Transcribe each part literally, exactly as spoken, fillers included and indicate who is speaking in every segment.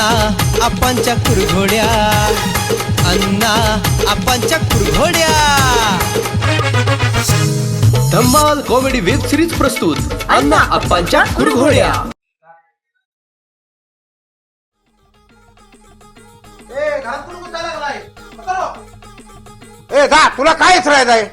Speaker 1: अण्णा आपांच्या कुरघोड्या, अण्णा आपांच्या कुरघोड्या.
Speaker 2: धम्माल कॉमेडी वेब सिरीज प्रस्तुत अण्णा आपांच्या कुरघोड्या.
Speaker 3: ए गा तुला काय राहायचंय?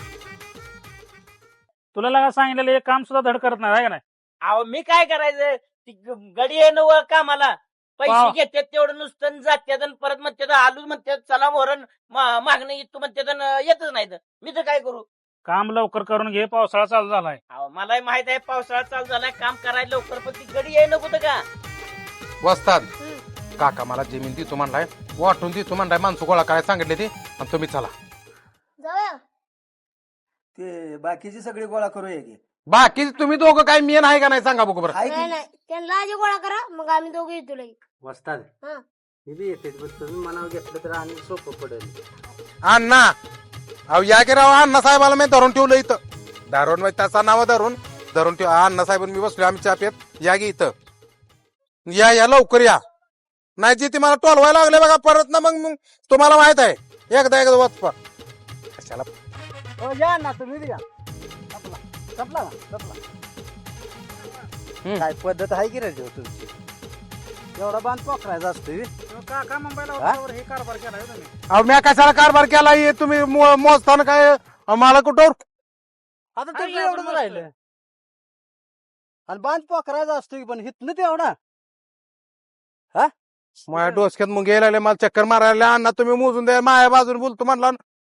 Speaker 4: तुला लगा सांगितलेलं एक काम सुद्धा धड करत नाही आहे का नाही?
Speaker 5: अहो मी काय करायचं, ती ग- गडी आहे ना वर कामाला, पैसे
Speaker 4: वा.
Speaker 5: घेतात तेवढं नुसतं जात्यात आणि परत म्हणतात आलू म्हणतात चला मोहरण मागणं येतो म्हणतात आणि येतच नाही तर मी तर काय करू.
Speaker 4: काम लवकर करून घे, पावसाळा चालू झालाय.
Speaker 5: अहो मलाही माहित आहे पावसाळा चालू झालाय, काम करायला लवकर, पण ती गडी आहे नको का.
Speaker 3: वस्ताद काका मला जमीन देतो म्हणलाय, वाटून देतो म्हणलाय, माणसं गोळा करायला सांगितले ते, आणि तुम्ही चला.
Speaker 6: जाऊया.
Speaker 7: ते बाकीची सगळी गोळा करूया की.
Speaker 3: बाकी तुम्ही दोघं काय मेन आहे का नाही सांगा बघू बरं.
Speaker 7: आहे
Speaker 6: नाही
Speaker 7: की
Speaker 6: नाही त्यांना आधी गोळा करा, मग आम्ही दोघे येतो लगेच.
Speaker 7: वस्ताद
Speaker 6: हा.
Speaker 7: मी बी येते, पण तुम्ही मनावर घेतलं तर आणि सोपं पडेल.
Speaker 3: अण्णा अहो या की राव, अण्णा साहेबाला मी धरून ठेवलं इथं, धरून म्हणजे त्याचा नाव धरून धरून ठेव. अण्णा साहेब मी बसलो आम्ही चापेत, या गी इथं, या या लवकर या, नाही जी ती मला टोलवायला लागले बघा परत ना. मग मग तुम्हाला माहित आहे, एकदा एकदा वाचपा कशाला.
Speaker 7: हो या ना तुम्ही बी या. संपला संपला ना संपला.
Speaker 3: हम्म.
Speaker 7: काय पद्धत आहे की रे देव तुमची? एवढा बांध पोखरायचा असतो बे.
Speaker 4: काका मुंबईला
Speaker 7: हा?
Speaker 4: होत्यावर हे कारभार केलाय हो तुम्ही.
Speaker 3: अहो मी कशाला कारभार केला हे तुम्ही मो- मोजताना काय अहो, मला कुठं
Speaker 7: आता
Speaker 4: आहे
Speaker 7: तुमचं
Speaker 4: अजून
Speaker 7: एवढंच
Speaker 4: मस्त.
Speaker 7: राहिलं. आणि बांध पोखरायचा असतो की, पण हितनं तेवढा
Speaker 3: माझ्या डोसक्यात मग गेला मला चक्कर मारायला. अण्णा तुम्ही मोजून द्या, माझ्या बाजूने बोलतो म्हणला,